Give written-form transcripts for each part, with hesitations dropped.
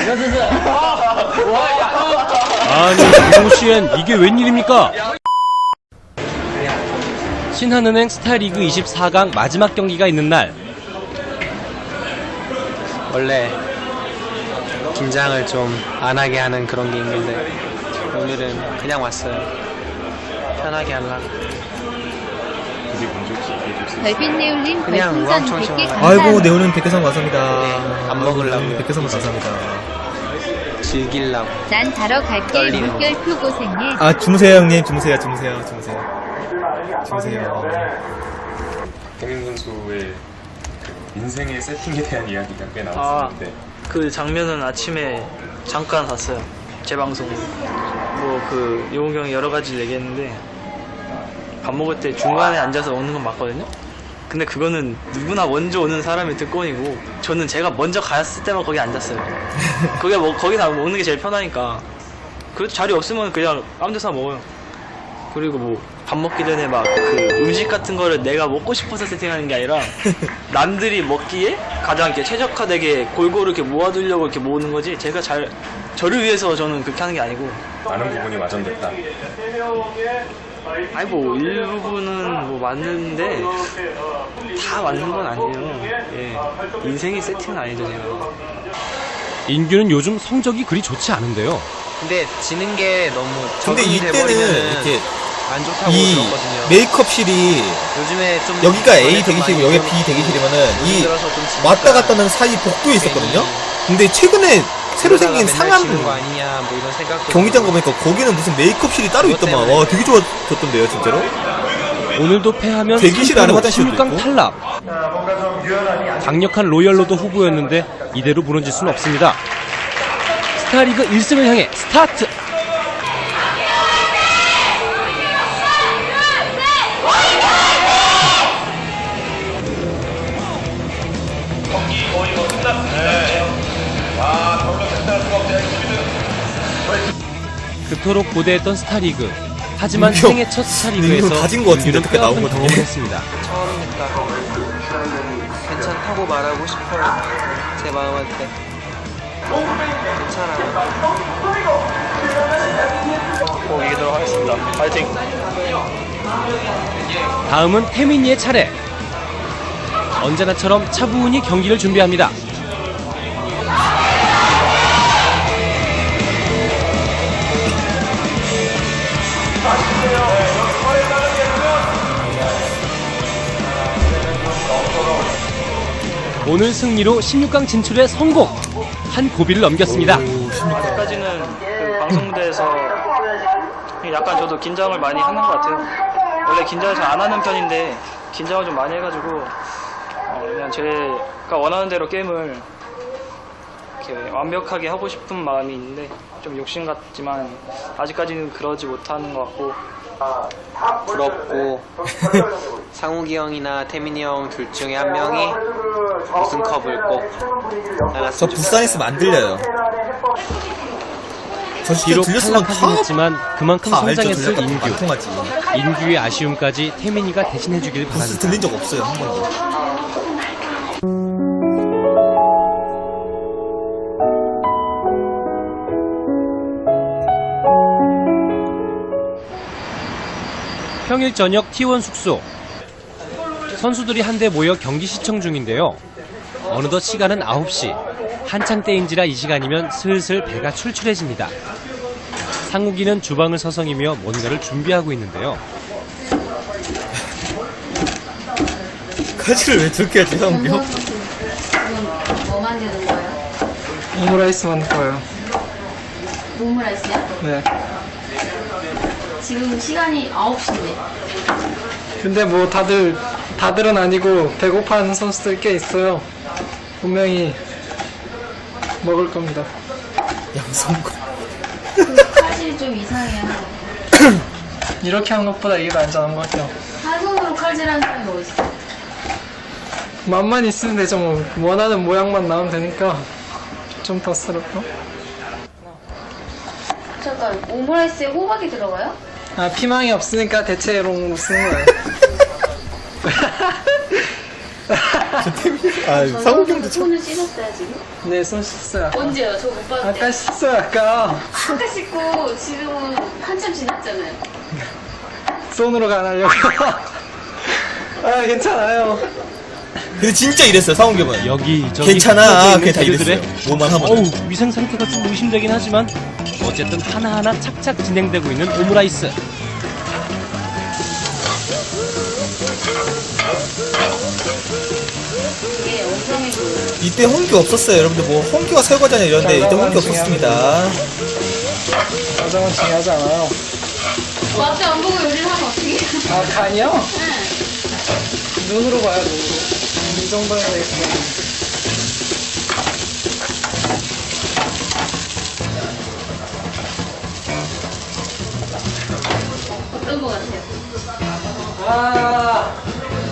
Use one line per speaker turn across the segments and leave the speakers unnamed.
아니 동시엔 이게 웬일입니까? 신한은행 스타리그 24강 마지막 경기가 있는 날
원래 긴장을 좀 안 하게 하는 그런 게 있는데 오늘은 그냥 왔어요. 편하게 하려고.
별빛네올님
그냥
별풍선
우왕청청
100개
하려고.
감사합니다.
아이고 네오님 100개선 감사합니다.
네, 밥 먹으려고요.
100개선 감사합니다.
즐기려고.
난 자러 갈게.
떨리는
물결표 고생해.
아 주무세요 형님 주무세요.
태민 선수의 인생의 세팅에 대한 이야기가 꽤 나왔었는데
그 장면은 아침에 잠깐 봤어요. 제 방송으로. 뭐 그 용욱이 형이 여러 가지 얘기했는데 밥 먹을 때 중간에 앉아서 먹는 건 맞거든요. 근데 그거는 누구나 먼저 오는 사람의 특권이고 저는 제가 먼저 갔을 때만 거기 앉았어요. 거기 뭐 거기서 먹는 게 제일 편하니까. 그래도 자리 없으면 그냥 아무 데서나 먹어요. 그리고 뭐 밥 먹기 전에 막 그 음식 같은 거를 내가 먹고 싶어서 세팅하는 게 아니라 남들이 먹기에 가장 이렇게 최적화되게 골고루 이렇게 모아두려고 이렇게 모으는 거지 제가 저를 위해서 저는 그렇게 하는 게 아니고.
많은 부분이 와전됐다.
아니 뭐 일부분은 뭐 맞는데 다 맞는 건 아니에요. 예. 인생의 세팅은 아니죠 제가.
인규는 요즘 성적이 그리 좋지 않은데요.
근데 지는 게 너무
근데
적응이
이때는
돼버리면은
이렇게
안 좋다고
이
들었거든요.
메이크업실이
요즘에 좀
여기가 A
전에 좀
대기실이고
많이
여기가
좀
B 대기실이면은
요즘
이
들어서 좀 지니까
왔다 갔다 하는 사이 복도에 있었거든요. 근데 최근에 새로 생긴 상암
지는 거 아니냐 뭐 이런 생각도
경기장 가보니까 거기는 무슨 메이크업실이 따로 있더만. 와 되게 좋아졌던데요 진짜로.
오늘도 패하면
대기실 안에 화장실도
16강
있고.
탈락. 강력한 로열로도 후보였는데 이대로 무너질 수는 없습니다. 스타리그 1승을 향해 스타트! 그토록 고대했던 스타리그. 하지만
민규,
생애 첫 스타리그에서
민규 가진 것 같은데,
인규는
어떻게 나온
뼈아픈
것
경험을
같은데?
했습니다.
처음이니까 괜찮다고 말하고 싶어요. 제 마음한테 괜찮아.
꼭 이기도록 하겠습니다. 파이팅!
다음은 태민이의 차례. 언제나처럼 차분히 경기를 준비합니다. 오늘 승리로 16강 진출에 성공! 한 고비를 넘겼습니다.
아직까지는 그 방송대에서 약간 저도 긴장을 많이 하는 것 같아요. 원래 긴장을 잘 안 하는 편인데 긴장을 좀 많이 해가지고 그냥 제가 원하는 대로 게임을 이렇게 완벽하게 하고 싶은 마음이 있는데 좀 욕심 같지만 아직까지는 그러지 못하는 것 같고.
부럽고 상욱이 형이나 태민이 형 둘 중에 한 명이 우승컵을 꼭
저
나갔으면
부산에 있으면 안 들려요. 저 진짜
비록
들렸으면
탈락하긴 했지만 그만큼
다 알죠.
성장했을
들렸다
인규.
안 통하지.
인규의 아쉬움까지 태민이가 대신해주길
부스
바랍니다.
들린 적 없어요 한 번도.
평일 저녁 T1 숙소. 선수들이 한데 모여 경기 시청 중인데요. 어느덧 시간은 9시. 한창 때인지라 이 시간이면 슬슬 배가 출출해집니다. 상욱이는 주방을 서성이며 뭔가를 준비하고 있는데요.
가지를 왜 저렇게 하지 형이 형?
지금 뭐 만드는 거예요?
오므라이스 만들 거예요.
오므라이스요?
네.
지금 시간이 9시인데.
근데 뭐 다들은 아니고 배고파하는 선수들 꽤 있어요. 분명히 먹을 겁니다.
양성고.
사실 좀 이상해요.
이렇게 하는 것보다 이게 더 안전한 것 같아요.
한 손으로 칼질하는 사람이 어딨어?
맛만 있으면 되죠. 뭐 원하는 모양만 나오면 되니까 좀 더 스럽고.
잠깐, 오므라이스에 호박이 들어가요?
아 피망이 없으니까 대체로 쓰는 거예요.
상욱형도 참.
손을 씻었어요 지금?
네, 손 씻었어요.
언제요? 저 못 봤는데.
아까 씻었어요, 아까.
아까 씻고 지금은 한참 지났잖아요.
손으로 가려고. 아, 괜찮아요.
근데 진짜 이랬어요, 상욱형은.
여기저기
괜찮아.
붙어져
그게 다
있는
이랬어요.
재료들의
뭐만 하면.
어우, 위생 상태가 좀 의심되긴 하지만 어쨌든 하나하나 착착 진행되고 있는 오므라이스.
이게 엉덩이 그
이때 홍기 없었어요. 여러분들 뭐 홍기와 설거지냐 이런데 이때 홍기 없었습니다.
과정은 중요하지 않아요.
앞에 안 보고 요리를 하면 어떻게 해요?
아, 간이요?
네.
눈으로 봐요, 눈으로. 이 정도면 되겠어요.
어떤 거 같아요?
아.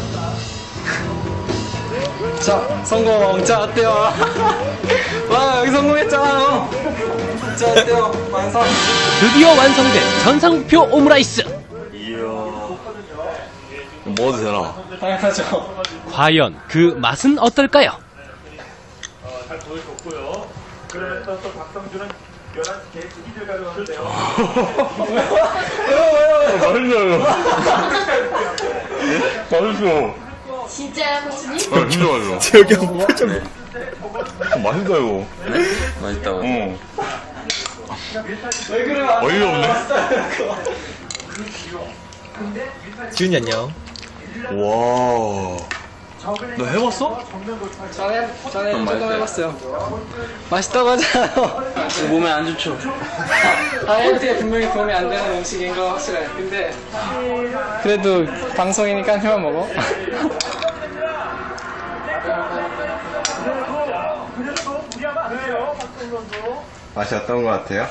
자, 성공. 자, 어때요? 와, 여기 성공했잖아요. 자, 어때요? 완성.
드디어 완성된 전상표 오므라이스.
먹어도 되나?
당연하죠.
과연 그 맛은 어떨까요?
맛있어요. 맛있어.
진짜요, 코치님?
진짜 맛있어.
재혁이 형 표정.
맛있다 이거.
맛있다고.
응.
왜 그래?
어이가 없네.
지훈이 안녕.
와. 너 해봤어?
전에 조금 해봤어요. 맛있다고 하잖아요. 몸에 안 좋죠. 다이어트에 분명히 도움이 안 되는 음식인 거 확실해. 근데 그래도 방송이니까 해만 먹어.
맛이 어떤 것 같아요?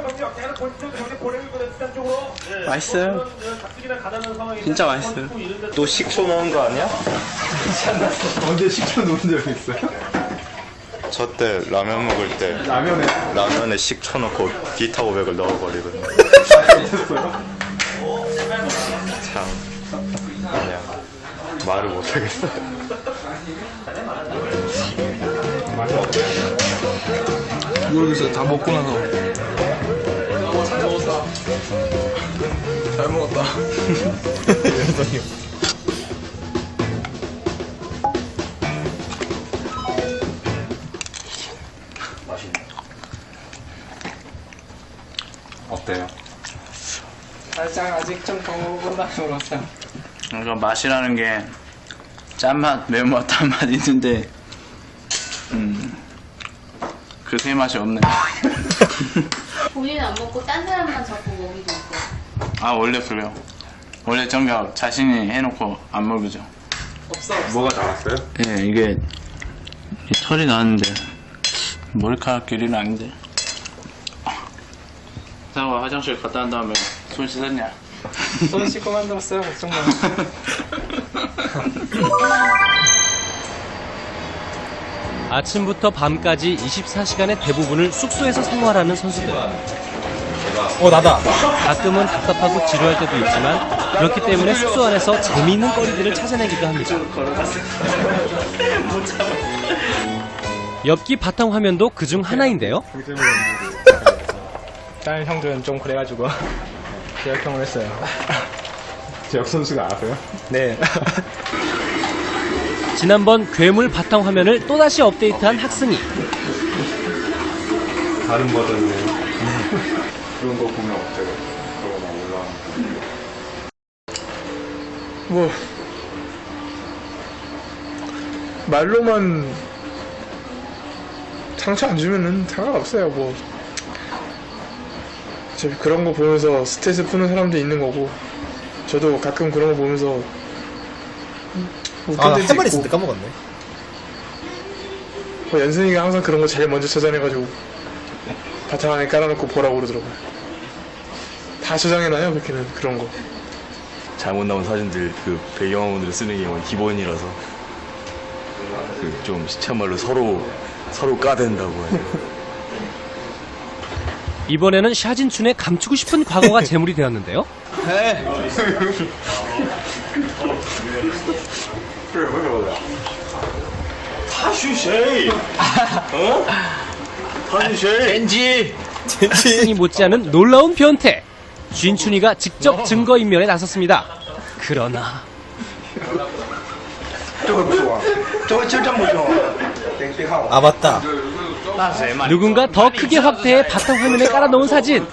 맛있어요. 진짜 맛있어요.
또 식초 넣은 거 아니야? 언제 식초 넣은 적 있어요? 저 때 라면 먹을 때 라면에 식초 넣고 기타 500을 넣어버리거든요. 참 그냥 말을 못하겠어요.
모르겠어요. 다 먹고 나서. 잘 먹었다.
어때요?
살짝 아직 좀 더 먹어본다 그러죠.
그러니까 맛이라는 게 짠맛, 매운맛, 단맛 있는데 그 세 맛이 없네.
본인은 안 먹고 딴 사람만 자꾸 먹이고 있고.
아 원래 그래요. 원래 정작 자신이 해놓고 안 먹이죠.
뭐가 나왔어요?
예, 이게 이 털이 나왔는데 머리카락 길이는 아닌데. 상아 화장실 갔다 온 다음에 손 씻었냐?
손 씻고 만들었어요. 걱정 마.
아침부터 밤까지 24시간의 대부분을 숙소에서 생활하는 선수들.
나다.
가끔은 답답하고 지루할 때도 있지만 그렇기 때문에 숙소 안에서 재미있는 거리들을 찾아내기도 합니다. 엽기 바탕 화면도 그중 하나인데요.
다른 형들은 좀 그래가지고 제약형을 했어요.
제혁 선수가 아세요?
네.
지난번 괴물 바탕 화면을 또다시 업데이트한 학승이.
다른 버전이네요. 그런 거 보면 어때요? 그거 막 올라오는
뭐 말로만 상처 안 주면은 상관없어요. 뭐 어차피 그런 거 보면서 스트레스 푸는 사람도 있는 거고, 저도 가끔 그런 거 보면서 웃긴
아,
데도
할 말
있고.
있었는데 까먹었네.
뭐 연승이가 항상 그런 거 제일 먼저 저장해가지고 바탕 안에 깔아놓고 보라고 그러더라고요. 다 저장해놔요, 그렇게는 그런 거.
잘못 나온 사진들 그 배경화면을 쓰는 게 기본이라서 그 좀 시참말로 서로 까댄다고 하죠.
이번에는 샤진춘의 감추고 싶은 과거가 재물이 되었는데요. 학생이 못지않은 놀라운 변태. 쥔춘이가 직접 증거인멸에 나섰습니다. 그러나
아 맞다.
누군가 더 크게 확대해 바탕화면에 깔아놓은 사진.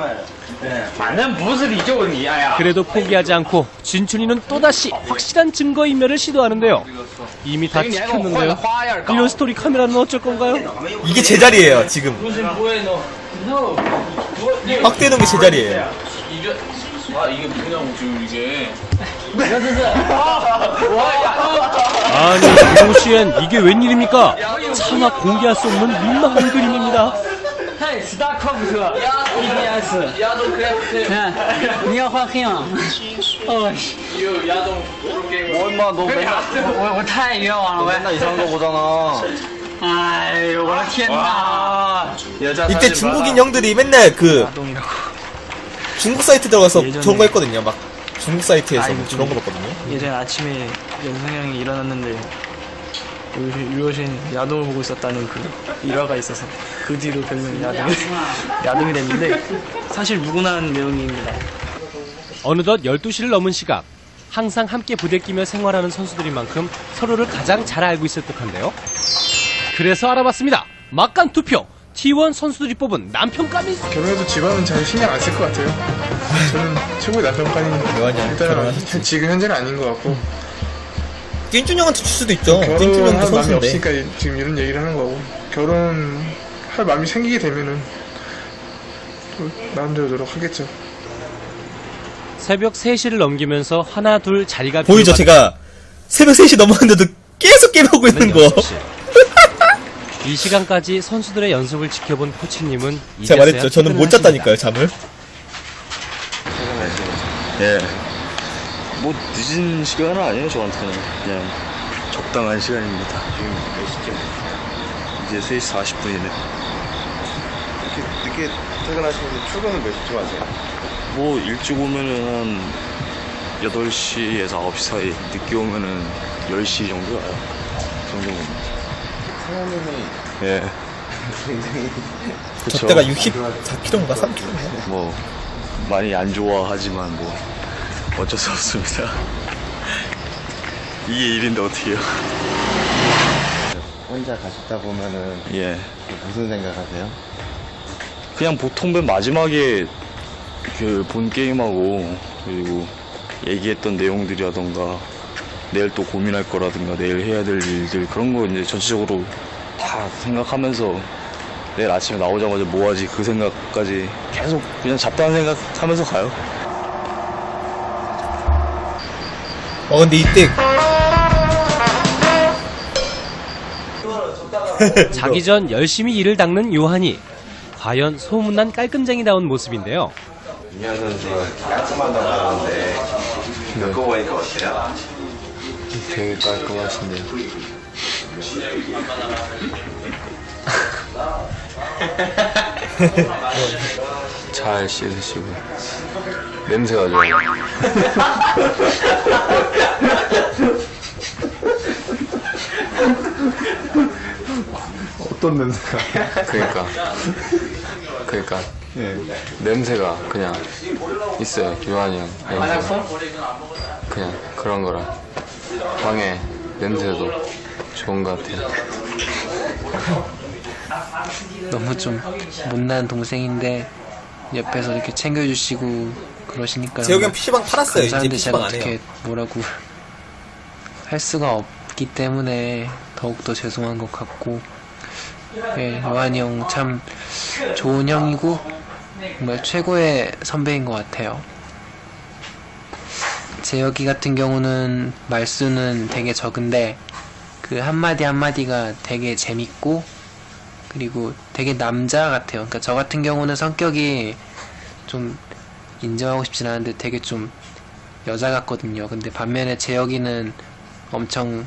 그래도 포기하지 않고 쥔춘이는 또다시 확실한 증거인멸을 시도하는데요. 이미 다 찍혔는데요. 이런 스토리 카메라는 어쩔 건가요?
이게 제자리예요 지금. 확대는 게 제자리예요.
아니 도시엔 이게 웬일입니까? 차마 공개할 수 없는 민망한 그림입니다.
이때 중국인 형들이 맨날 그 중국 사이트 들어가서
예전에-
저런 거 했거든요. 막 중국 사이트에서 뭐 저런 거 봤거든요.
예전에 아침에 연상형이 일어났는데 유효신 야동을 보고 있었다는 그 일화가 있어서 그 뒤로 별명이 야동이 됐는데 사실 무근한 내용입니다.
어느덧 12시를 넘은 시각. 항상 함께 부대 끼며 생활하는 선수들인 만큼 서로를 가장 잘 알고 있을 듯한데요. 그래서 알아봤습니다. 막간 투표. T1 선수들이 뽑은 남편감이
결혼해도 집안은 잘 신경 안 쓸 것 같아요. 저는 최고의 남편감이
요한이
일단은
결혼하셨지.
지금 현재는 아닌 것 같고
띵준 형한테 줄 수도 있죠. 띵준 형도
결혼할 마음이
선수인데.
없으니까 지금 이런 얘기를 하는 거고 결혼할 마음이 생기게 되면은 또 나름대로 노력하겠죠.
새벽 3시를 넘기면서 하나 둘 자리가
보이죠? 제가 새벽 3시 넘었는데도 계속 게임하고 있는 거.
이 시간까지 선수들의 연습을 지켜본 코치님은
제가 말했죠. 저는 못 잤다니까요, 잠을.
예. 뭐 늦은 시간은 아니에요 저한테는 그냥 적당한 시간입니다. 지금 몇 시쯤? 이제 3시 40분이네.
늦게 퇴근하시는데 출근은 몇 시쯤 하세요?
뭐 일찍 오면은 한 8시에서 9시 사이, 늦게 오면은 10시 정도 와요. 그 정도면.
사모님이
예.
굉장히
그쵸.
저때가 64kg인가 3kg인가.
뭐 많이 안 좋아하지만 뭐 어쩔 수 없습니다. 이게 일인데 어떻게 해요?
혼자 가셨다 보면은
예.
무슨 생각하세요?
그냥 보통 맨 마지막에 그 본 게임하고 그리고 얘기했던 내용들이라던가 내일 또 고민할 거라든가 내일 해야 될 일들 그런 거 이제 전체적으로 다 생각하면서 내일 아침에 나오자마자 뭐 하지 그 생각까지 계속 그냥 잡다한 생각 하면서 가요.
근데 이때
자기 전 열심히 일을 닦는 요한이. 과연 소문난 깔끔쟁이다운 모습인데요.
윤현 선수가 깔끔하다고 하는데 겪고 보니까 어때요?
되게 깔끔하신데요. 잘 씻으시고 냄새가 좋아요.
어떤 냄새가?
그러니까 냄새가 그냥 있어요. 요한이 형 냄새가 그냥 그런 거라 방에 냄새도 좋은 것 같아요.
너무 좀 못난 동생인데 옆에서 이렇게 챙겨주시고 그러시니까
재혁이 형 PC방 팔았어요. 이제
감사한데 제가
PC방 안 해요.
어떻게 뭐라고 할 수가 없기 때문에 더욱더 죄송한 것 같고, 예, 요한이 형 참 좋은 형이고 정말 최고의 선배인 것 같아요. 재혁이 같은 경우는 말수는 되게 적은데 그 한마디 한마디가 되게 재밌고 그리고 되게 남자 같아요. 그러니까 저 같은 경우는 성격이 좀 인정하고 싶진 않은데 되게 좀 여자 같거든요. 근데 반면에 재혁이는 엄청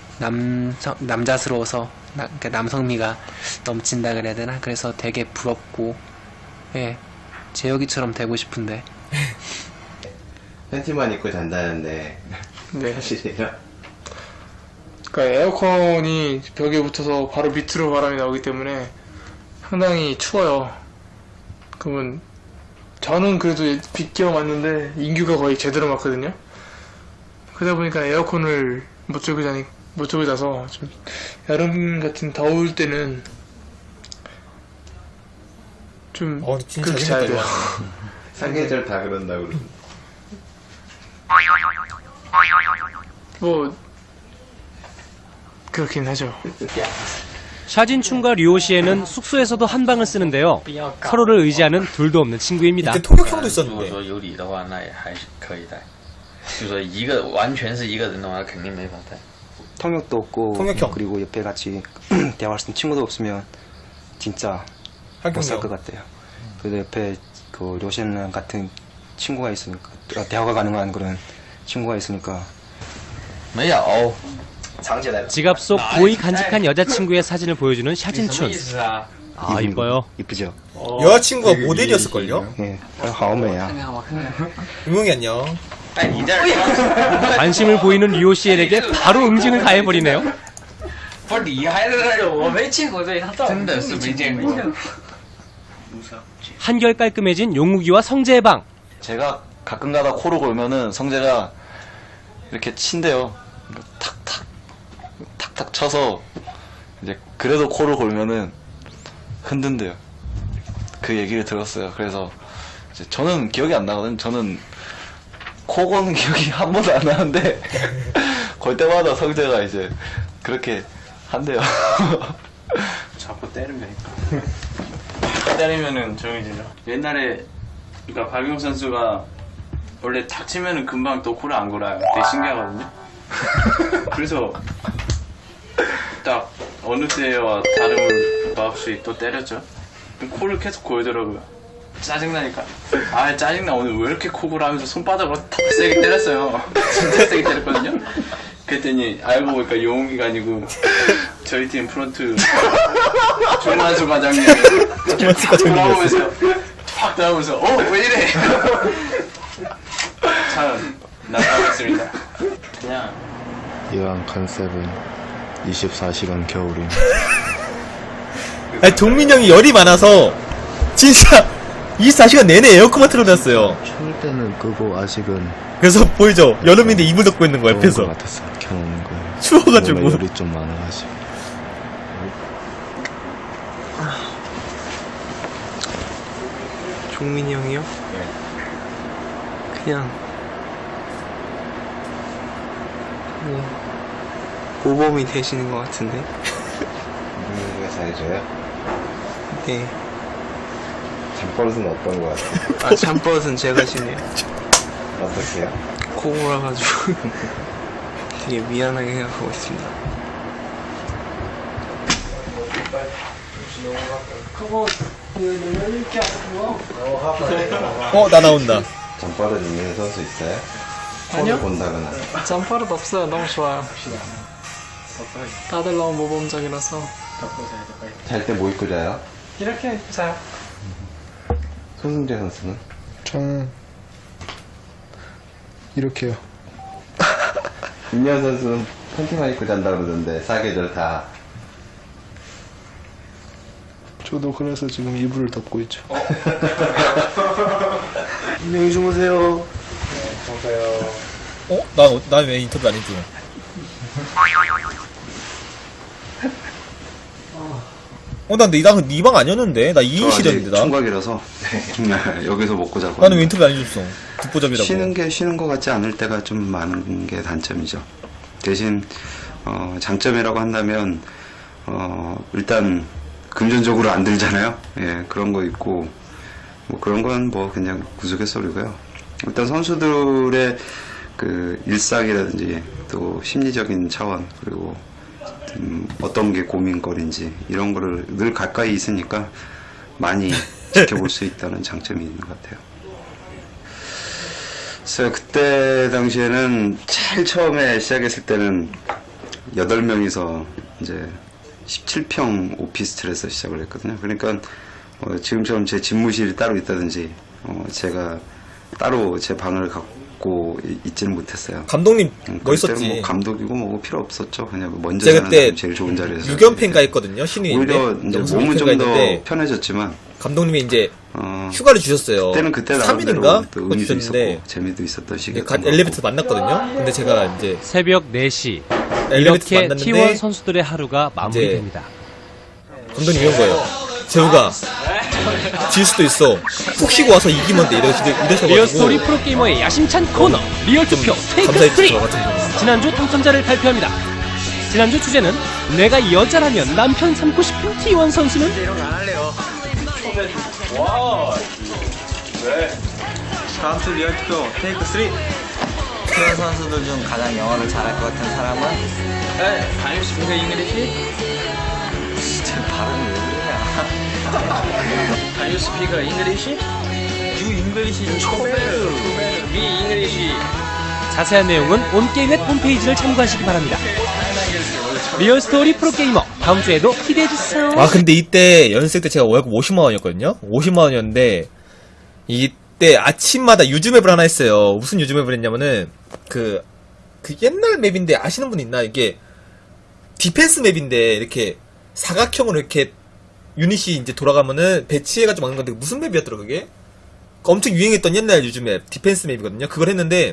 남자스러워서 그러니까 남성미가 넘친다 그래야 되나? 그래서 되게 부럽고, 예, 재혁이처럼 되고 싶은데.
팬티만 입고 잔다는데
네.
사실이에요?
그러니까 에어컨이 벽에 붙어서 바로 밑으로 바람이 나오기 때문에 상당히 추워요. 그러면 저는 그래도 빗겨 맞는데 인규가 거의 제대로 맞거든요. 그러다 보니까 에어컨을 못 들고 자서 좀 여름 같은 더울 때는 좀
진짜
그렇게 자야 돼요.
사계절 다 그런다고 그러는데.
뭐 그렇긴 하죠.
샤진춘과 류오시에는 숙소에서도 한 방을 쓰는데요. 서로를 의지하는 둘도 없는 친구입니다.
이때 통역형도 있었는데.
说有理的话，那也还是可以带。就说一个完全是一个人的话，肯定没法带。
통역도 없고
통역형.
그리고 옆에 같이 대화할 수 있는 친구도 없으면 진짜 못 살 것 같아요. 그래도 옆에 그 로션 같은 친구가 있으니까 대화가 가능한 그런 친구가 있으니까
没有，
지갑 속 고이 간직한 여자친구의 사진을 보여주는
什么
샤진춘.
意思啊？
아, 이뻐요.
이쁘죠?
여자친구가 모델이었을걸요?
예, 好美啊.
유명이 안녕.
哎，你这儿
관심을 보이는 류오시에에게 바로 응징을 가해버리네요.
不是你还在那儿？我没见过这一套，真的是没见过。
한결 깔끔해진 용욱이와 성재의 방.
제가 가끔가다 코를 골면은 성재가 이렇게 친대요. 탁탁 쳐서 이제 그래도 코를 골면은 흔든대요. 그 얘기를 들었어요. 그래서 이제 저는 기억이 안 나거든요. 저는 코 고는 기억이 한 번도 안 나는데 걸 때마다 성재가 이제 그렇게 한대요.
자꾸 때리면은 정해지죠. 옛날에 그러니까 박용 선수가 원래 탁 치면은 금방 또 코를 안 골아요. 되게 신기하거든요. 그래서 딱 어느 때와 다름을 바 없이 또 때렸죠. 코를 계속 골더라고요. 짜증나니까 아 짜증나 오늘 왜 이렇게 코 골아 하면서 손바닥으로 탁 세게 때렸어요. 진짜 세게 때렸거든요. 그랬더니 알고 보니까 용욱이가 아니고 저희 팀 프런트 조만수 과장님이 돌아오면서 확 나오면서 왜 이래 참 나타났습니다. 그냥
이왕 컨셉은 24시간 겨울임.
아니, 동민 형이 열이 많아서 진짜 24시간 내내 에어컨만 틀어놨어요.
추울 때는 끄고 아직은
그래서 보이죠? 여름인데 이불 덮고 있는 거
더운
옆에서.
것 같았어. 켜놓는 거예요.
추워가지고.
원래 열이 좀 많아가지고.
종민이 형이요? 그냥 모범이 되시는 것 같은데.
누군가 잘해줘요?
네.
잠버릇은 어떤 것 같아요?
아, 잠버릇은 제가 지내요.
어떻게요?
코 골아가지고 되게 미안하게 생각하고 있습니다.
나 나온다.
잠버릇 있는 선수 있어요?
아니요.
본다거나.
잠버릇 없어요. 너무 좋아요. 다들 너무 모범적이라서
잘 때 뭐 입고 자요?
이렇게 자요.
손승재 선수는?
저는 이렇게요.
김연 선수는 팬티만 입고 잔다 그러던데 사계절 다.
저도 그래서 지금 이불을 덮고 있죠.
안녕히 주무세요.
나 왜 인터뷰 안 해줘? 나 근데 네 방 아니었는데? 나 2인실이었는데, 나?
총각이라서 여기서 먹고 자고.
나는 왜 인터뷰 안 해줬어? 듣보잡이라고.
쉬는 것 같지 않을 때가 좀 많은 게 단점이죠. 대신 장점이라고 한다면 일단 금전적으로 안 들잖아요. 예, 그런 거 있고 뭐 그런 건 뭐 그냥 우스갯소리고요. 일단 선수들의 그 일상이라든지 또 심리적인 차원 그리고 어떤 게 고민거리인지 이런 거를 늘 가까이 있으니까 많이 지켜볼 수 있다는 장점이 있는 것 같아요. 그래서 그때 당시에는 제일 처음에 시작했을 때는 8명이서 이제 17평 오피스텔에서 시작을 했거든요. 그러니까 지금처럼 제 집무실이 따로 있다든지 제가 따로 제 방을 갖고 있지는 못했어요.
감독님
그때는
멋있었지.
뭐 감독이고 뭐고 필요 없었죠. 그냥 먼저
제가
가는
그때
사람이 제일 좋은 자리에서.
유견팬가 했거든요. 신인인데.
오히려 이제 몸은 좀 더 편해졌지만
감독님이 이제 휴가를 주셨어요.
그때
3일인가?
또 의미도
주셨는데
있었고 재미도 있었던 시기.
엘리베이터 만났거든요. 근데 제가 이제
새벽 4시
엘리베이터
이렇게
만났는데
T1 선수들의 하루가 마무리됩니다.
감독님 이런 거예요. 재우가 질 수도 있어. 푹 쉬고 와서 이기면 돼. 이래서
리얼 스토리 프로게이머의 야심찬 코너 리얼 투표 테이크 3 지난주 당첨자를 발표합니다. 지난주 주제는 내가 여자라면 남편 삼고 싶은 T1 선수는?
이런 거 안 할래요.
와. 왜?
다음 주 리얼 투표 테이크 3.
T1 선수들 중 가장 영어를 잘할 것 같은 사람은?
네, 반입스피가 잉글리시?
진짜 발음이 왜 그러냐.
반입스피가 잉글리시? 유 잉글리시 초베르. 미 잉글리시.
자세한 내용은 온게임넷 홈페이지를 참고하시기 바랍니다. 리얼 스토리 프로게이머 다음 주에도 기대해주세요.
아 근데 이때 연습생 때 제가 월급 50만 원이었거든요. 50만 원이었는데 이때 아침마다 유즈맵을 하나 했어요. 무슨 유즈맵을 했냐면은 그 옛날 맵인데 아시는 분 있나? 이게 디펜스 맵인데 이렇게 사각형으로 이렇게 유닛이 이제 돌아가면은 배치해가지고 막는 건데 무슨 맵이었더라 그게? 엄청 유행했던 옛날 유즈맵 디펜스 맵이거든요. 그걸 했는데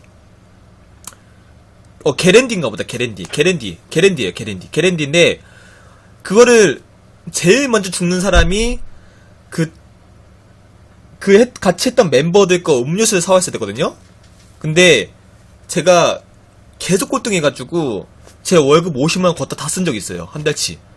게랜디인가 보다. 게랜디예요. 게랜디인데 그거를 제일 먼저 죽는 사람이 같이 했던 멤버들 거 음료수를 사왔어야 되거든요. 근데 제가 계속 꼴등해가지고 제 월급 50만 원 걷다 다 쓴 적이 있어요. 한 달치.